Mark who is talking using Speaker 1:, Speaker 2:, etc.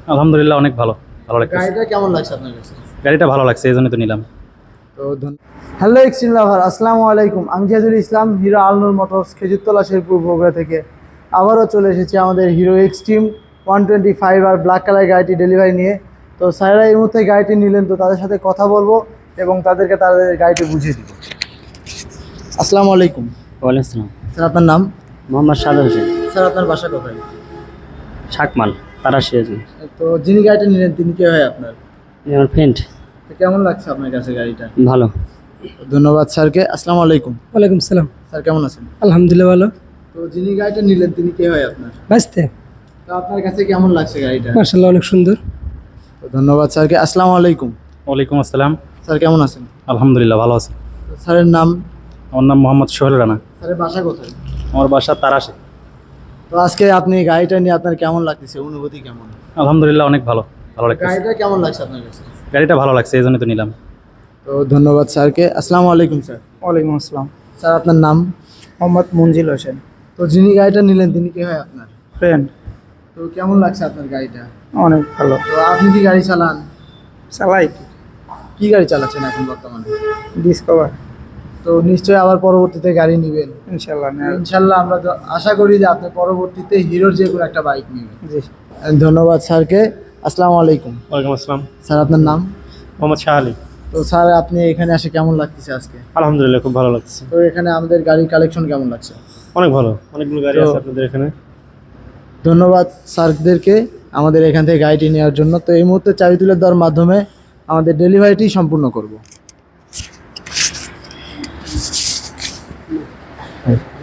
Speaker 1: আলহামদুলিল্লাহ অনেক ভালো ভালো লাগছে।
Speaker 2: গাড়িটা কেমন লাগছে আপনার কাছে?
Speaker 1: গাড়িটা ভালো লাগছে এই জন্য তো নিলাম।
Speaker 2: তো হ্যালো এক্সট্রিম লাভার, আসসালামু আলাইকুম। আমি জিয়াদুল ইসলাম, হিরো আলনুর মোটরস, খেজুরতলা শেরপুর বগুড়া থেকে আবারও চলে এসেছি আমাদের হিরো এক্সট্রিম 125 আর ব্ল্যাক কালার গাড়িটি ডেলিভারি নিয়ে। তো স্যারেরা এই মুহূর্তে গাড়িটি নিলেন, তো তাদের সাথে কথা বলবো এবং তাদেরকে তাদের গাড়িটি বুঝিয়ে দিব। আসসালামু আলাইকুম।
Speaker 3: ওয়ালাইকুম আসসালাম।
Speaker 2: স্যার আপনার নাম?
Speaker 3: মোহাম্মদ সাদা হোসেন।
Speaker 2: স্যার আপনার বাসা কোথায়?
Speaker 3: শাকমাল তারাশি হাজার।
Speaker 2: তো যিনি গাড়িটা নিলেন তিনি কে হয় আপনার?
Speaker 3: আমার ফ্রেন্ড।
Speaker 2: তো কেমন লাগছে আপনার কাছে গাড়িটা?
Speaker 3: ভালো।
Speaker 2: ধন্যবাদ স্যারকে। আসসালামু আলাইকুম।
Speaker 4: ওয়ালাইকুম সালাম।
Speaker 2: স্যার কেমন আছেন?
Speaker 4: আলহামদুলিল্লাহ ভালো।
Speaker 2: তো যিনি গাড়িটা নিলেন তিনি কে হয় আপনার?
Speaker 4: বাঁচতে
Speaker 2: তো আপনার কাছে কেমন লাগছে গাড়িটা?
Speaker 4: মার্শাল্লাহ অনেক সুন্দর।
Speaker 2: তো ধন্যবাদ স্যারকে। আসসালামু আলাইকুম।
Speaker 1: ওয়ালাইকুম আসসালাম।
Speaker 2: স্যার কেমন আছেন?
Speaker 1: আলহামদুলিল্লাহ ভালো আছে।
Speaker 2: তো স্যারের নাম?
Speaker 1: আমার নাম মোহাম্মদ সোহেল রানা।
Speaker 2: স্যারের বাসা কোথায়?
Speaker 1: আমার বাসা তারাশে।
Speaker 2: তো আজকে আপনি গাড়িটা নিয়ে আপনার কেমন লাগতেছে, অনুভূতি কেমন?
Speaker 1: আলহামদুলিল্লাহ অনেক ভালো ভালো লাগছে।
Speaker 2: গাড়িটা কেমন লাগছে আপনার কাছে?
Speaker 1: গাড়িটা ভালো লাগছে এই জন্য তো নিলাম।
Speaker 2: তো ধন্যবাদ স্যারকে। আসসালামু আলাইকুম স্যার।
Speaker 4: ওয়ালাইকুম আসসালাম।
Speaker 2: স্যার আপনার নাম?
Speaker 4: মোহাম্মদ মঞ্জিল হোসেন।
Speaker 2: তো যিনি গাড়িটা নিলেন তিনি কে হয় আপনার?
Speaker 4: ফ্রেন্ড।
Speaker 2: তো কেমন লাগছে আপনার গাড়িটা?
Speaker 4: অনেক ভালো।
Speaker 2: তো আপনি কি গাড়ি চালান?
Speaker 4: চালাই।
Speaker 2: কি গাড়ি চালাচ্ছেন এখন বর্তমানে?
Speaker 4: ডিসকভার।
Speaker 2: তো নিশ্চয়ই আবার পরবর্তীতে গাড়ি নেবেন।
Speaker 4: ইনশাল্লাহ।
Speaker 2: ইনশাল্লাহ আমরা আশা করি যে আপনি পরবর্তীতে হিরোর যে কোনো একটা বাইক নেবেন।
Speaker 4: জি।
Speaker 2: ধন্যবাদ স্যারকে। আসসালামু আলাইকুম।
Speaker 1: ওয়ালাইকুম আসসালাম।
Speaker 2: স্যার আপনার নাম?
Speaker 1: মোহাম্মদ শাহ আলী।
Speaker 2: তো স্যার আপনি এখানে এসে কেমন লাগতেছে আজকে?
Speaker 1: আলহামদুলিল্লাহ খুব ভালো লাগছে।
Speaker 2: তো এখানে আমাদের গাড়ির কালেকশন কেমন লাগছে?
Speaker 1: অনেক ভালো, অনেকগুলো গাড়ি
Speaker 2: তো-
Speaker 1: আছে আপনাদের এখানে।
Speaker 2: ধন্যবাদ স্যারদেরকে আমাদের এখান থেকে গাড়িটি নেওয়ার জন্য। তো এই মুহূর্তে চাবি তুলে দেওয়ার মাধ্যমে আমাদের ডেলিভারিটি সম্পূর্ণ করব।